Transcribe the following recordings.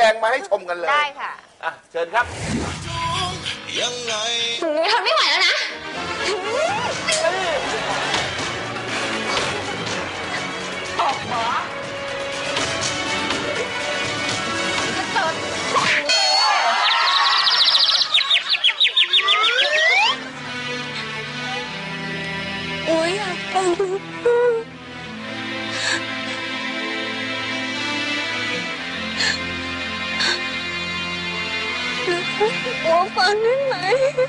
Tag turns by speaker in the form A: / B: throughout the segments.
A: ดงมาให้ชมกันเลย
B: ได้ค่ะ
A: เชิญครับ
C: ยังไง
B: ทนไม่ไหวแล้วนะออกหมอจะเจอโอ้ยอยากฟังโอ้ฟังได้ไหม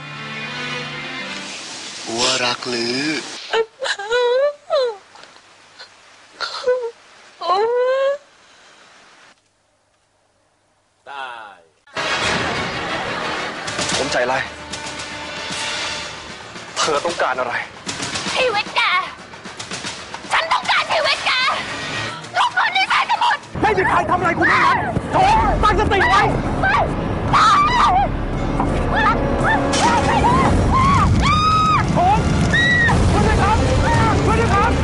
C: อัวรักหรือ
A: ได้
D: ผมใจไรเธอต้องการอะไร
B: ชีวิตแกฉันต้องการชีวิตแกลูกคนนี้ใส่สมุด
D: ไม่มีใครทำอะไรคุณทั้งนั้นโถตั้งสติไว้
B: ไม่ตายไม่ได้
D: โถช่วยด้วยครับช่วยด้วยครับ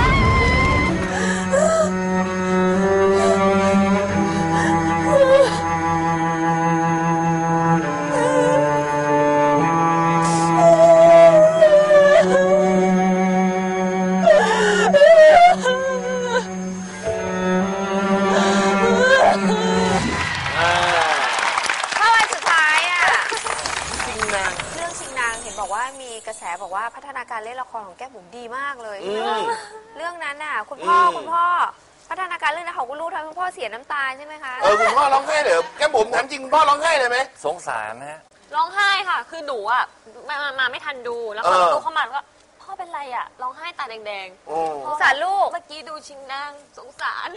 B: บอกว่าพัฒนาการเล่นละครของแก้มบุ๋มดีมากเลยเรื่องนั้นน่ะคุณพ่อพัฒนาการเรื่องนั้นของคุณลูกทำให้คุณพ่อเสียน้ำตาใช่ไหมคะ
A: คุณพ่อร้องไห้เหรอแก้มบุ๋มถามจริงคุณพ่อร้องไห้เลยไหม
E: สงสารนะ
F: ร้องไห้ค่ะคือหนูอ่ะมาไม่ทันดูแล้วพอดูเข้ามาก็พ่อเป็นไรอ่ะร้องไห้ตาแดง
B: สงสารลูก
F: เมื่อกี้ดูชิงนางสงสาร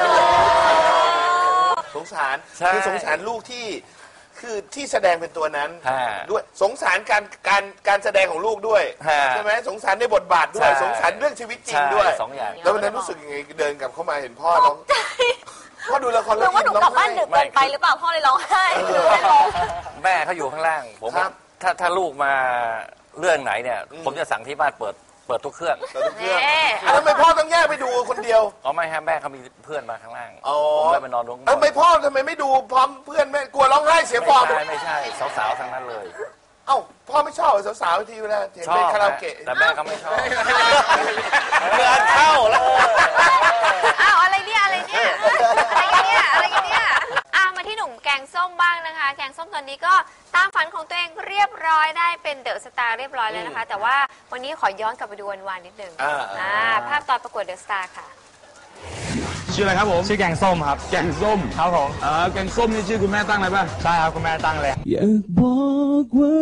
A: สงสารคือสงสารลูกที่แสดงเป็นตัวนั้นด้วยสงสารการแสดงของลูกด้วยใช่ไหมสงสารในบทบาทด้วยสงสารเรื่องชีวิตจริงด้วย
E: สองอย่าง
A: แล้ววันนั้นรู้สึกยังไงเดินกลับเข้ามาเห็นพ่อร้องพ่อดูละครแล้ว
F: ว่าหนูกลับบ้านดึกเกินไปหรือเปล่าพ่อเลยร้องไห้
E: แม่เขาอยู่ข้างล่างผมถ้าลูกมาเรื่องไหนเนี่ยผมจะสั่งที่บ้านเปิดทุกเครื่อง
A: ทำไมพ่อต้องแยกไปดูคนเดียว
E: ไม่ฮะแม่เขามีเพื่อนมาข้างล่างผมเลยไปนอนลง
A: ไม่พ่อทำไมไม่ดูพร้อมเพื่อนแม่กลัวร้องไห้เสียฟอร์ม
E: ไม่ใช่สาวๆทั้งนั้นเลย
A: พ่อไม่ชอบสาวๆทีเวลาเห็นไปคาราโอเกะ
E: แต่แม่เขาไม่ชอบ
A: เงินเข้าแล้ว
B: อะไรกันเนี่ยมาที่หนุ่มแกงส้มบ้างนะคะแกงส้มตอนนี้ก็ตามฝันของตัวเองเรียบร้อยได้เป็นเดอะสตาร์เรียบร้อยแล้วนะคะแต่ว่าวันนี้ขอย้อนกลับไปดูวันนิดนึงภาพตอนประกวดเดอะสตาร์ค่ะ
D: ชื่ออะไรครับผมชื่อแกงส้มครับแกงส้มครับผมแกงส้มนี่ชื่อคุณแม่ตั้งเลยป่ะใช่ครับคุณแม่ตั้งเลยอยากบอกว่า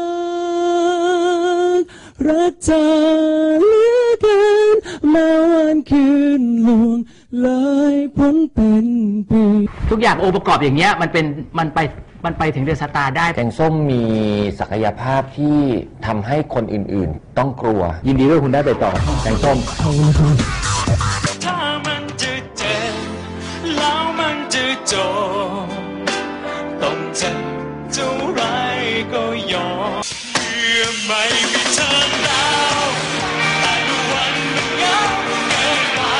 D: รักเธอเหลือเกินมาวันคืนล่วงเลยพ้นเป็นปี
G: ทุกอย่างองค์ประกอบอย่างเงี้ยมันไปถึงเดอะสตาร์ได้
H: แกงส้มมีศักยภาพที่ทำให้คนอื่นๆต้องกลัวยินดีด้วยคุณได้ไปต่อแกงส้ม
C: ถ้ามันจะเจ็บแล้วมันจะจบต้องเจ็บเท่าไรก็ยอมเมื่อไม่มีเธอแล้วแต่ทุกวันมันเหงาเกินไป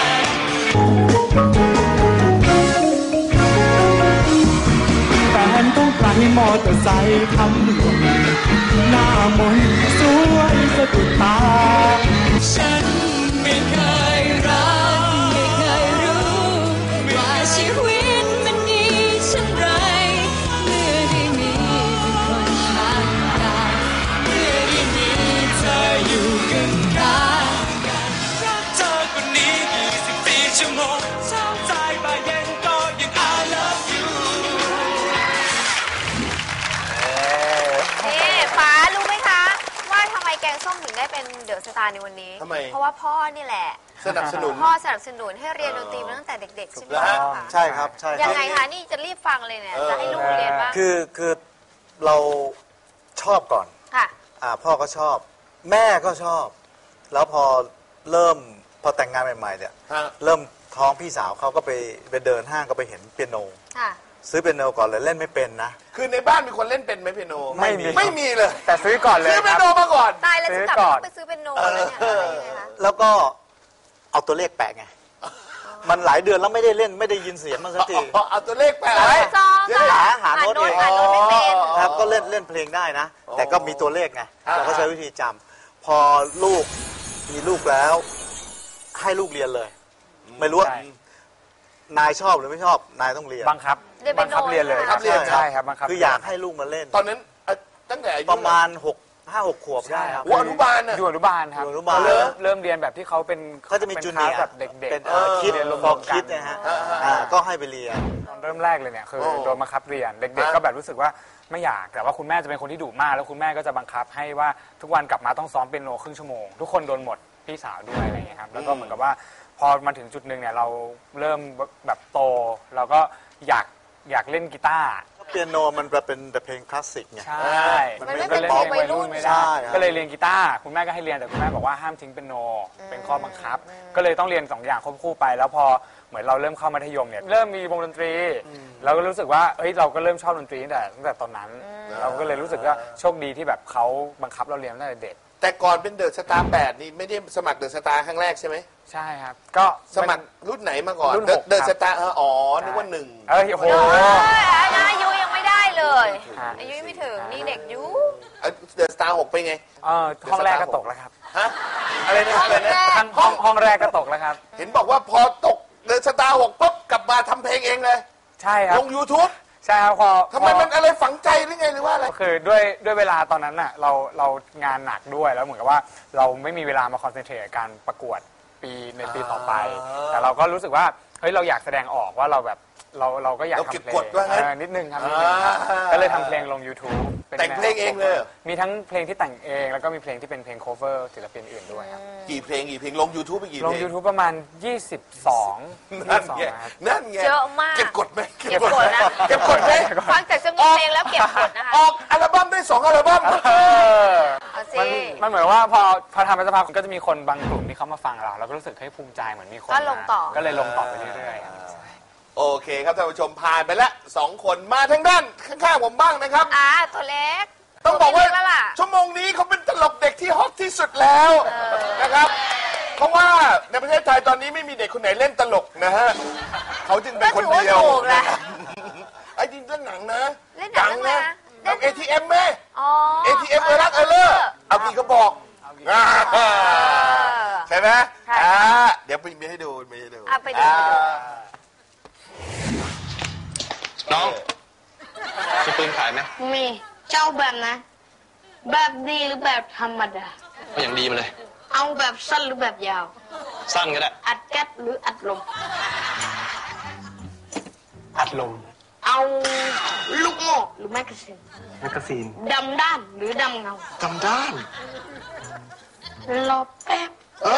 D: แฟนต้องใครมอเตอร์ไซค์ทำหลวงหน้ามนสวยสะดุดตา
C: ฉันไม่เคยรักไม่เคยรู้ว่าชีวิตมันดีเช่นไรเมื่อได้มีคนข้างกายเมื่อได้มีเธออยู่กันรักเธอคนนี้24 ชั่วโมงเช้าสายบ่ายเย็นก็ยัง I love you
B: ฟ้ารู้ไหมคะว่าทำไมแกงส้มถึงได้เป็นเดอะสตาร์ในวันนี้เพราะว่าพ่อนี่แหละพ่อสนับสนุนให้เรียนดนตรีมาตั้งแต่เด็กๆใช่ไหมคะ
I: ใช่ครับใช่
B: ยังไงคะนี่จะรีบฟังเลยเนี่ยจะให้ลูกเรียนบ้าง
I: คือเราชอบก่อน
B: ค่ะ
I: พ่อก็ชอบแม่ก็ชอบแล้วพอแต่งงานใหม่ๆเนี่ยเริ่มท้องพี่สาวเขาก็ไปเดินห้างก็ไปเห็นเปียโนซื้อเปียโนก่อนเลยเล่นไม่เป็นนะ
A: คือในบ้านมีคนเล่นเป็นไหมเปียโน
I: ไม่มีเลย
D: แต่ซื้อก่อนเลย
A: ซื้อเปียโนมาก่อน
B: ตายแล้วจะกลับไปซื้อเปียโนอะไรเนี่ย
I: แล้วก็เอาตัวเลขแปะไงมันหลายเดือนแล้วไม่ได้เล่นไม่ได้ยินเสียงมันสักที
A: เอาตัวเลขแปะ
I: หาโน้ตเอง
B: หาโน้ตไม่เป็น
I: ครับก็เล่นเพลงได้นะ แต่ก็มีตัวเลขไงเราก็ใช้วิธีจำพอลูกมีลูกแล้ว ให้ลูกเรียนเลย ไม่รู้ว่านายชอบหรือไม่ชอบนายต้องเรียน
D: บังคับเรียนเลย ใช่ครับบังคับ
I: คืออยากให้ลูกมาเล่น
A: ตอนนั้นตั้งแต่อายุ
I: ประมาณ5-6 ขวบได้ครับ
A: อนุบาลน่ะ
D: อยู่อนุบาลครับ
I: อยู่อนุบาล
D: เริ่มเรียนแบบที่เขาเป็น
I: เขาจะมีจูเนียร์
D: แบบเด็กๆ
I: เป็นคิด
D: เรียนรว
I: ฟอ
D: ม
I: ร์
D: ๆกั
I: คิด
D: น
I: นะฮะก็ให้ไปเรียน
D: ตอนเริ่มแรกเลยเนี่ยคือโดนบังคับเรียนเด็กๆก็แบบรู้สึกว่าไม่อยากแต่ว่าคุณแม่จะเป็นคนที่ดุมากแล้วคุณแม่ก็จะบังคับให้ว่าทุกวันกลับมาต้องซ้อมเปียโนครึ่งชั่วโมงทุกคนโดนหมดพี่สาวด้วยอะไรอย่างเงี้ยครับแล้วก็เหมือนกับว่าพอมาถึงจุดหนึ่งเนี่ยเราเริ่มแบบโตเราก็อยากเล่นกีตาร์
I: เปียโนมันเป็นแต่เพลงคลาสสิกไง
D: ใช่
B: มันไม่เป็นเพลงวัยรุ่น
D: ไม่ได้ก็เลยเรียนกีตาร์คุณแม่ก็ให้เรียนแต่คุณแม่บอกว่าห้ามทิ้งเปียโนเป็นข้อบังคับก็เลยต้องเรียน2 อย่างควบคู่ไปแล้วพอเหมือนเราเริ่มเข้ามัธยมเนี่ยเริ่มมีวงดนตรีเราก็รู้สึกว่าเฮ้ยเราก็เริ่มชอบดนตรีตั้งแต่ตอนนั้นเราก็เลยรู้สึกว่าโชคดีที่แบบเขาบังคับเราเรียนตั้งแต่เด็ก
A: แต่ก่อนเป็นเดอะสตาร์8นี่ไม่ได้สมัครเดอะสตาร์ครั้งแรกใช่ไหม
D: ใช่ครับก็
A: สมัครรุ่นไหนมาก่อน
D: รุ่น6
A: เดอะสตาร์นึกว่า1
D: โอ้โห
B: อายุยังไม่ได้เลยอายุยังไม่ถึงนี่เด็กยุ
A: เดอะสตาร์6ไปไง
D: ห้องแรกก็ตกแล้วครับ
A: ฮะอะไรนะ
D: ห้องแรกก็ตกแล้วครับ
A: เห็นบอกว่าพอตกเดอะสตาร์6ปุ๊บกลับมาทำเพลงเองเลย
D: ใช่ครับ
A: ลง YouTube
D: ใช่ครับ
A: ทำไมมันอะไรฝังใจหรือไงหรือว่าอะไร
D: คือด้วยเวลาตอนนั้นน่ะเรางานหนักด้วยแล้วเหมือนกับว่าเราไม่มีเวลามาคอนเซนเทรตการประกวดในปีต่อไปแต่เราก็รู้สึกว่าเฮ้ยเราอยากแสดงออกว่าเราแบบเราก็อยากทำเพลงนิดนึงครับก็เลยทำเพลงลง YouTube
A: แต่งเพลงเองเลย
D: มีทั้งเพลงที่แต่งเองแล้วก็มีเพลงที่เป็นเพลง cover ศิลปินอื่นด้วยครับ
A: กี่เพลงลง YouTube ไปกี่เพลง
D: ลง YouTube ประมาณ22
A: นั่นไง
B: เยอะมาก
A: เก็บกดไหม
B: เก็บกดนะ
A: เก็บกดไหม
B: ฟังแต่จะมีเพลงแล้วเก็บกดนะคะ
A: ออกอัลบั้มได้2 อัลบั้ม
D: มันเหมือนว่าพอทำไปสักพักก็จะมีคนบางกลุ่มที่เขามาฟังเราก็รู้สึกให้ภูมิใจเหมือนมีคนก็เลยลงต่อไปเรื่อยๆ
A: โอเคครับท่านผู้ชมผ่านไปแล้ว2 คนมาทางด้านข้างๆผมบ้างนะครับ
B: ตัวเล็ก
A: ต้องบอกว่าชั่วโมงนี้เขาเป็นตลกเด็กที่ฮอตที่สุดแล้วนะครับเพราะว่าในประเทศไทยตอนนี้ไม่มีเด็กคนไหนเล่นตลกนะฮะเขาจึงเป็นคนเดียวไอ้จริงเล่นหนังนะ
B: ดังนะ
A: เอา ATM ไหม ATM รักเลอร์เอากี่ก็บอกใช่ไหมเดี๋ยวมีให้ดู
B: ไปดู
J: น้องมีปืนขายไหม
K: มีเจ้าแบบนะแบบดีหรือแบบธรรมดา
J: ก็อย่างดีมาเลย
K: เอาแบบสั้นหรือแบบยาว
J: สั้นก็ได้
K: อัดแก๊สหรืออัดลม
J: อัดลม
K: เอาลูกโม่หรือแมกกาซีนดำด้านหรือดำเงา
J: ดำด้าน
K: รอแป๊บ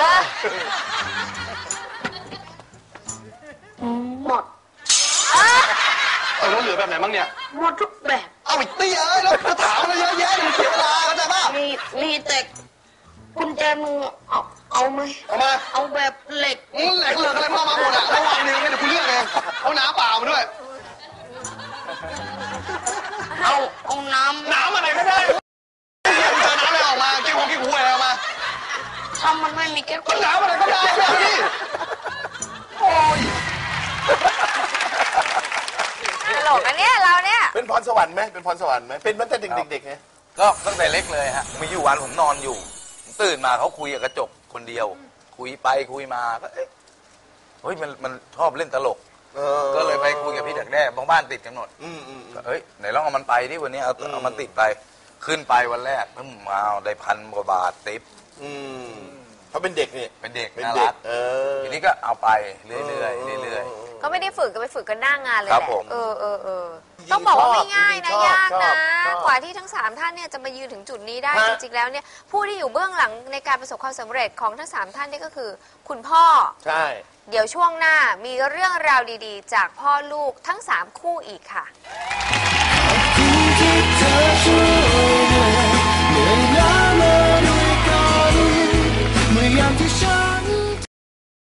K: หมด
J: แล้วเหลือแบบไหนบ้างเนี่ย
K: หมดทุกแบบ
J: เอาอีกตีแล้วจะถามอะไรเยอะแยะมันเสียเวลาเข้าใจป่ะ
K: มีแต่กุญแจมือเอาไหมเอาแบบเหล็ก
J: เหล็กอะไรมาหมดอ่ะระวังนิ้วเนี่ยคุณเลือกเองเอาน้ำเปล่ามาด้วย
K: เอาน้
J: ำอะไรก็ได้เจอน้ำอะไรออกมาเกี่ยวกับกี่หูอะไรออกมา
K: ถ้ามันไม่มีแก้ว
J: ก็น้ำอะไรก็ได้พี่โอ้ย
B: ตลกอันเนี้ยเราเนี่ย
A: เป็นพรสวรรค์ไหมเป็นตั้งแต่เด็กๆไง
E: ก็ตั้งแต่เล็กเลยฮะมีอยู่วันผมนอนอยู่ตื่นมาเขาคุยกับกระจกคนเดียวคุยไปคุยมาก็เฮ้ยมันชอบเล่นตลกก็เลยไปคุยกับพี่ดักแด้บ้านติดกันหมดเฮ้ยไหนลองเอามันไปที่วันนี้เอามันติดไปขึ้นไปวันแรกมาได้1,000 กว่าบาทติป
A: เขาเป็นเด็กนี่
E: เป็นเด็กน่ารักทีนี้ก็เอาไปเรื่อย
B: ก็ไม่ได้ฝึกก็ไปฝึกกันหน้างานเลยแหละต้องบอกว่าไม่ง่ายนะยากนะกว่าที่ทั้ง3ท่านเนี่ยจะมายืนถึงจุดนี้ได้จริงๆแล้วเนี่ยผู้ที่อยู่เบื้องหลังในการประสบความสำเร็จของทั้ง3ท่านนี่ก็คือคุณพ่อ
A: ใช่
B: เดี๋ยวช่วงหน้ามีเรื่องราวดีๆจากพ่อลูกทั้ง3คู่อีกค่ะ